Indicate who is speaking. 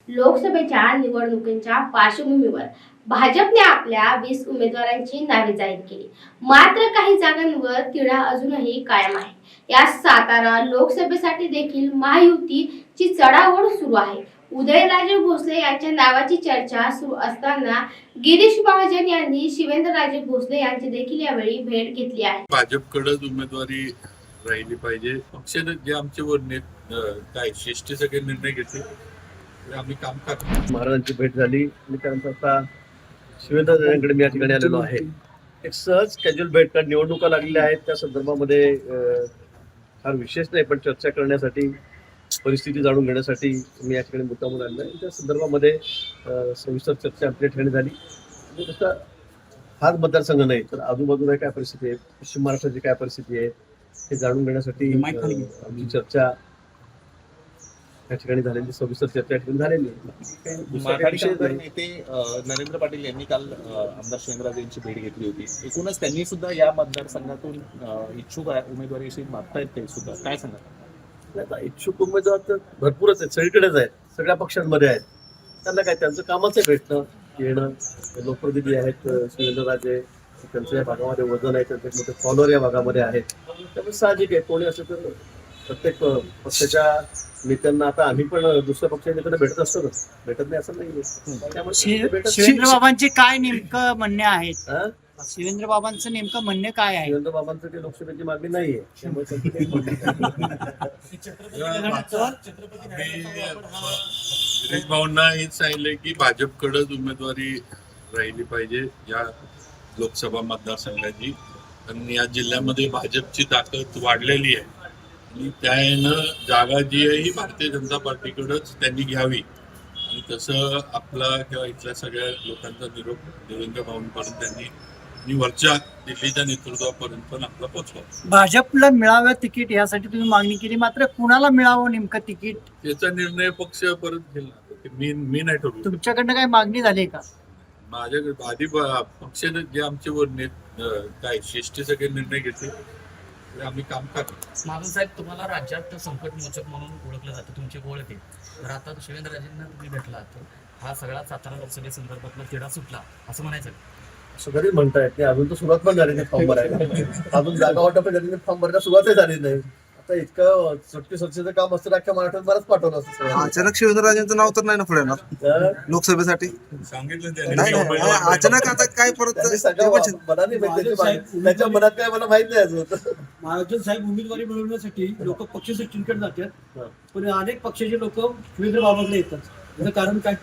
Speaker 1: लोकसभेच्या निवडणुकीच्या पार्श्वभूमीवर भाजपने आपल्या 20 उमेदवारांची नावे जाहीर केली. मात्र काही जागांवर तिढा अजूनही कायम आहे. या सातारा लोकसभेसाठी देखील महायुतीची चढाओढ सुरू आहे. उदयनराजे भोसले यांच्या नावाची चर्चा सुरू असताना गिरीश महाजन यांनी शिवेंद्रराजे भोसले यांची देखील यावेळी भेट घेतली आहे.
Speaker 2: भाजपकडेच उमेदवारी राहिली पाहिजे. पक्षाने जे आमच्यावर काय शिष्ट सगळे निर्णय घेतले ते आम्ही काम करतो.
Speaker 3: महाराजांची भेट झाली आणि त्यानंतर आता शिवेंद्रराजांकडे मी या ठिकाणी आलेलो आहे. एक सहज कॅज्युअल भेट, कारण निवडणुका लागलेल्या आहेत त्या संदर्भामध्ये फार विशेष नाही, पण चर्चा करण्यासाठी, परिस्थिती जाणून घेण्यासाठी मी या ठिकाणी मुद्दामून आलेलो आहे. त्या संदर्भामध्ये सविस्तर चर्चा आपल्या ठिकाणी झाली. आणि तसा हाच मतदारसंघ नाही तर आजूबाजूला काय परिस्थिती आहे, पश्चिम महाराष्ट्राची काय परिस्थिती आहे हे जाणून घेण्यासाठी आमची चर्चा या ठिकाणी झालेली, सविस्तर चर्चा या ठिकाणी झालेली आहे.
Speaker 4: माथाडीचे नेते नरेंद्र पाटील यांनी काल आमदार शिवेंद्रराजे यांची भेट घेतली होती. एकूणच त्यांनी सुद्धा या मतदारसंघातून इच्छुक उमेदवारीविषयी मागतायत. ते सुद्धा काय सांगा?
Speaker 3: आता इच्छुक उमेदवार तर भरपूरच आहेत, सगळीकडेच आहेत, सगळ्या पक्षांमध्ये आहेत. त्यांना काय, त्यांचं कामच आहे भेटणं येणं. लोकप्रतिनिधी आहेत शिवेंद्रराजे, त्यांचं या भागामध्ये वजन आहे, त्यांचे मोठे फॉलोअर या भागामध्ये आहेत. त्यामुळे साहजिक आहे, कोणी असं तर प्रत्येक पक्षाच्या नेत्यांना, आता आम्ही पण दुसऱ्या पक्षाच्या नेत्यांना भेटत असतो ना, भेटत नाही असं नाही. त्यामुळे
Speaker 5: शिवेंद्र बाबांचे काय नेमकं म्हणणे आहेत?
Speaker 3: हा?
Speaker 5: शिवेंद्र बाबांचं नेमकं म्हणणे काय आहे?
Speaker 3: शिवेंद्र बाबांचं ते लोकसभेची मागणी नाहीये, त्यामुळे
Speaker 2: गिरीश भाऊंना हेच सांगितलंय की भाजपकडेच उमेदवारी राहिली पाहिजे या लोकसभा मतदारसंघाची. आणि या जिल्ह्यामध्ये भाजपची ताकद वाढलेली आहे आणि त्यानं जागा जी आहे ही भारतीय जनता पार्टीकडेच त्यांनी घ्यावी. आणि तसं आपला किंवा इथल्या सगळ्या लोकांचा निरोप देवेंद्र भाऊंपर्यंत त्यांनी आणि वरच्या दिल्लीच्या नेतृत्वापर्यंत पण आपला पोहोचवा.
Speaker 5: भाजपला मिळावं तिकीट यासाठी तुम्ही मागणी केली, मात्र कुणाला मिळावं नेमकं तिकीट
Speaker 2: त्याचा निर्णय पक्ष परत घेईल. मी नाही ठरवू.
Speaker 5: तुमच्याकडनं काय मागणी झाली का?
Speaker 2: माझ्याकडे आधी पक्षाने जे आमच्यावर काय शिष्ट सगळे निर्णय घेतले ते आम्ही काम करतो.
Speaker 6: महाजन साहेब, तुम्हाला राज्यात संकट मोचक म्हणून ओळखलं जातं, तुमची ओळख आहे. तर आता शिवेंद्रराजेंना तुम्ही भेटला तर हा सगळा सातारा लोकसभेसंदर्भातला तिढा सुटला असं म्हणायचं?
Speaker 3: असं कधीच म्हणता येत नाही. अजून तर सुरुवात पण झाली नाही फॉर्म भरायला. अजून जागा वाटप झाली नाही, फॉर्म भरायला सुरुवातही झाली नाही. आता इतकं सुटकेचं काम असतं, अख्ख्या महाराष्ट्रात बरंच पाठवलं असतं.
Speaker 7: अचानक शिवेंद्रराजेंचं नाव तर नाही ना पुढे येणार लोकसभेसाठी?
Speaker 2: सांगितलं
Speaker 7: नाही, अचानक आता काय परत
Speaker 3: मनाने त्याच्या मनात काय मला माहित नाही अजून.
Speaker 8: महाराष्ट्र साहेब उमेदवारी मिळवण्यासाठी लोक पक्ष सचिनकडे जातात, पण अनेक पक्षाचे लोक शिवेंद्र बाबांकडे येतात. त्याचं कारण काय?